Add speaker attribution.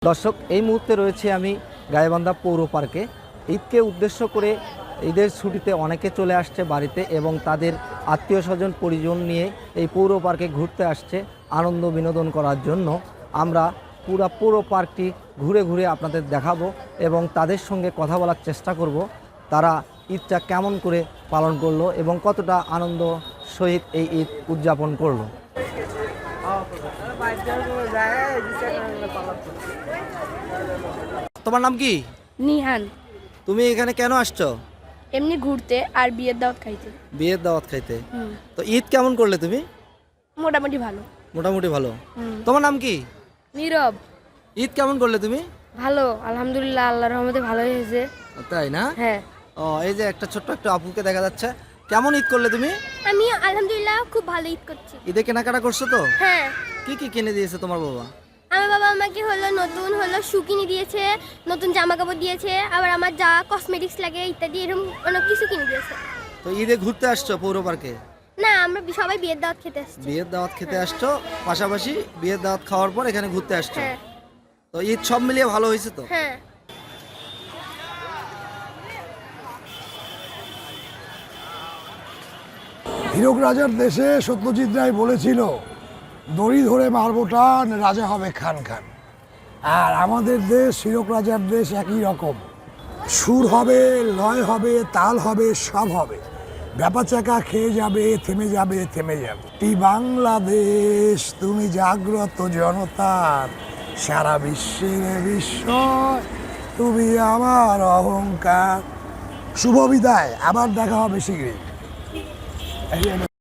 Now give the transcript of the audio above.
Speaker 1: দর্শক, এই মুহূর্তে রয়েছে আমি গাইবান্ধা পৌর পার্কে। ঈদকে উদ্দেশ্য করে ঈদের ছুটিতে অনেকে চলে আসছে বাড়িতে এবং তাদের আত্মীয় স্বজন পরিজন নিয়ে এই পৌর পার্কে ঘুরতে আসছে আনন্দ বিনোদন করার জন্য। আমরা পৌর পার্কটি ঘুরে ঘুরে আপনাদের দেখাবো এবং তাদের সঙ্গে কথা বলার চেষ্টা করব তারা ঈদটা কেমন করে পালন করলো এবং কতটা আনন্দ সহিত এই ঈদ উদযাপন করলো। তোমার নাম কি?
Speaker 2: নিহান।
Speaker 1: তুমি এখানে কেন আসছো?
Speaker 2: এমনি ঘুরতে আর বিয়ের দাওয়াত খাইতে।
Speaker 1: বিয়ের দাওয়াত খাইতে। তো ঈদ কেমন করলে তুমি?
Speaker 2: মোটামুটি ভালো।
Speaker 1: মোটামুটি ভালো। তোমার নাম কি?
Speaker 2: নীরব।
Speaker 1: ঈদ কেমন করলে তুমি?
Speaker 2: ভালো, আলহামদুলিল্লাহ, আল্লাহর রহমতে ভালো হয়েছে।
Speaker 1: তাই না?
Speaker 2: হ্যাঁ।
Speaker 1: ও, এই যে একটা ছোট্ট একটা আপুকে দেখা যাচ্ছে। কেমন ঈদ করলে তুমি?
Speaker 2: আমি আলহামদুলিল্লাহ খুব ভালো ঈদ করছি।
Speaker 1: ঈদে কেনাকাটা করছো তো?
Speaker 2: হ্যাঁ।
Speaker 1: কি কি কিনে দিয়েছে তোমার বাবা?
Speaker 2: আমার বাবা আমাকে নতুন শু কিনে দিয়েছে, নতুন জামা কাপড় দিয়েছে, আবার আমার যা কসমেটিক্স লাগে ইত্যাদি এরকম অনেক কিছু কিনে দিয়েছে।
Speaker 1: তো ঈদে ঘুরতে আসছো পৌর পার্কে?
Speaker 2: না, আমরা সবাই বিয়ের দাওয়াত খেতে আসছি।
Speaker 1: বিয়ের দাওয়াত খেতে আসছো, পাশাপাশি বিয়ের দাওয়াত খাওয়ার পর এখানে ঘুরতে আসছো।
Speaker 2: হ্যাঁ।
Speaker 1: তো ঈদ সব মিলিয়ে ভালো হয়েছে তো?
Speaker 2: হ্যাঁ।
Speaker 3: হীরক রাজার দেশে সত্যজিৎ রায় বলেছিল, দড়ি ধরে মারবো টান, রাজা হবে খান খান। আর আমাদের দেশ হীরক রাজার দেশ একই রকম। সুর হবে, লয় হবে, তাল হবে, সব হবে। ব্যাপা চাকা খেয়ে যাবে, থেমে যাবে, থেমে যাবে। এই বাংলাদেশ, তুমি জাগ্রত জনতার, সারা বিশ্বের বিস্ময়, তুমি আমার অহংকার। শুভ বিদায়, আবার দেখা হবে শীঘ্রই।